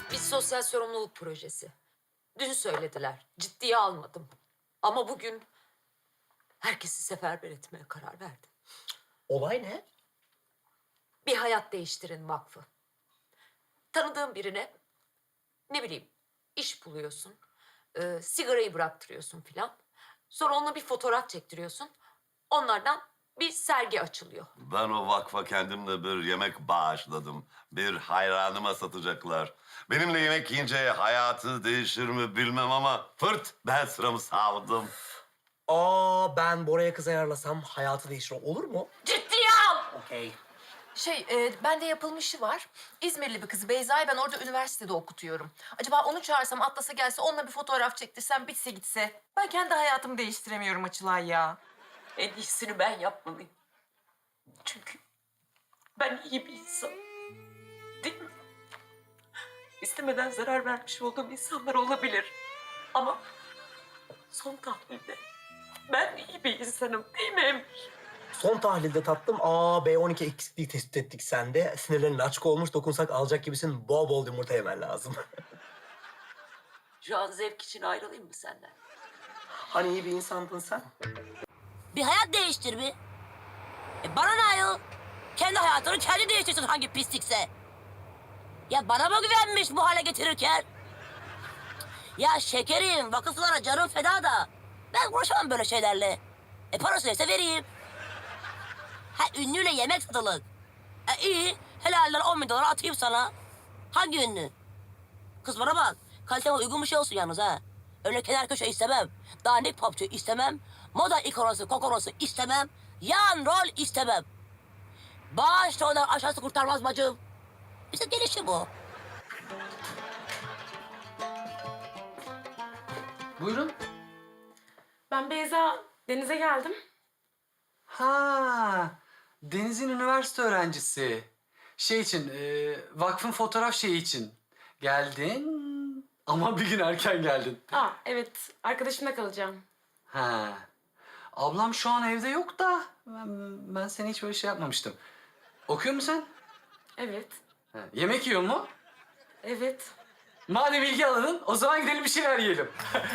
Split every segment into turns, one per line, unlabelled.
Bir sosyal sorumluluk projesi. Dün söylediler. Ciddiye almadım. Ama bugün herkesi seferber etmeye karar verdim.
Olay ne?
Bir Hayat Değiştirin Vakfı. Tanıdığın birine ne bileyim iş buluyorsun. Sigarayı bıraktırıyorsun filan. Sonra onunla bir fotoğraf çektiriyorsun. Onlardan bir sergi açılıyor.
Ben o vakfa kendimle bir yemek bağışladım. Bir hayranıma satacaklar. Benimle yemek yiyince hayatı değişir mi bilmem ama fırt ben sıramı savdım.
Ben Bora'ya kız ayarlasam hayatı değişir. Olur mu?
Ciddiye al!
Okey.
Bende yapılmışı var. İzmirli bir kız Beyza'yı ben orada üniversitede okutuyorum. Acaba onu çağırsam, atlasa gelse, onunla bir fotoğraf çektirsem, bitse gitse. Ben kendi hayatımı değiştiremiyorum Açılay ya.
En iyisini ben yapmalıyım. Çünkü ben iyi bir insan. Değil mi? İstemeden zarar vermiş olduğum insanlar olabilir. Ama son tahlilde ben iyi bir insanım değil mi Emir?
Son tahlilde tatlım B12 eksikliği tespit ettik sende. Sinirlerin açık olmuş, dokunsak alacak gibisin. Bol bol yumurta yemen lazım.
Şu an zevk için ayrılayım mı senden?
Hani iyi bir insandın sen?
Bir hayat değiştir bir. Bana ne ayol? Kendi hayatını kendi değiştirsin hangi pislikse. Ya bana mı güvenmiş bu hale getirirken? Ya şekerim, vakıflara canım feda da. Ben uğraşamam böyle şeylerle. Parası neyse vereyim. Ha ünlüyle yemek satılık. İyi, helalden 10 bin dolar atayım sana. Hangi ünlü? Kız bana bak, kaliteme uygun bir şey olsun yalnız ha. Öyle kenar köşe istemem. Dandik popçu istemem. Moda ikonosu, kokorosu istemem. Yan rol istemem. Bağış ondan aşağısı kurtarmaz bacım. İşte gelişi bu.
Buyurun.
Ben Beyza, Deniz'e geldim.
Ha, Deniz'in üniversite öğrencisi. Şey için, vakfın fotoğraf şeyi için. Geldin ama bir gün erken geldin.
Evet, arkadaşımla kalacağım.
Ha. Ablam şu an evde yok da ben seni hiç böyle şey yapmamıştım. Okuyor musun sen?
Evet,
Ha, yemek yiyor mu?
evet.
Madem ilgi alanın, o zaman gidelim bir şeyler yiyelim.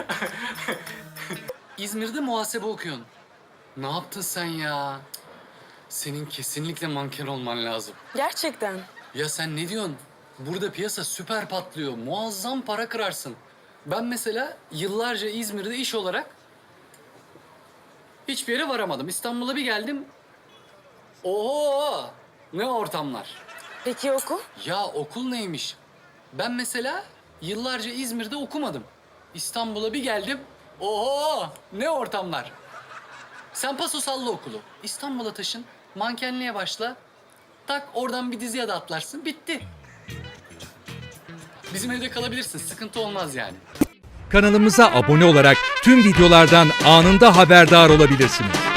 İzmir'de muhasebe okuyorsun. Ne yaptın sen ya? Senin kesinlikle manken olman lazım.
Gerçekten.
Ya sen ne diyorsun? Burada piyasa süper patlıyor. Muazzam para kırarsın. Ben mesela yıllarca İzmir'de iş olarak hiçbir yere varamadım. İstanbul'a bir geldim. Oho! Ne ortamlar.
Peki okul?
Ya okul neymiş? Ben mesela yıllarca İzmir'de okumadım. İstanbul'a bir geldim. Oho! Ne ortamlar. Sen paso salla okulu. İstanbul'a taşın. Mankenliğe başla. Tak oradan bir diziye de atlarsın. Bitti. Bizim evde kalabilirsin. Sıkıntı olmaz yani.
Kanalımıza abone olarak tüm videolardan anında haberdar olabilirsiniz.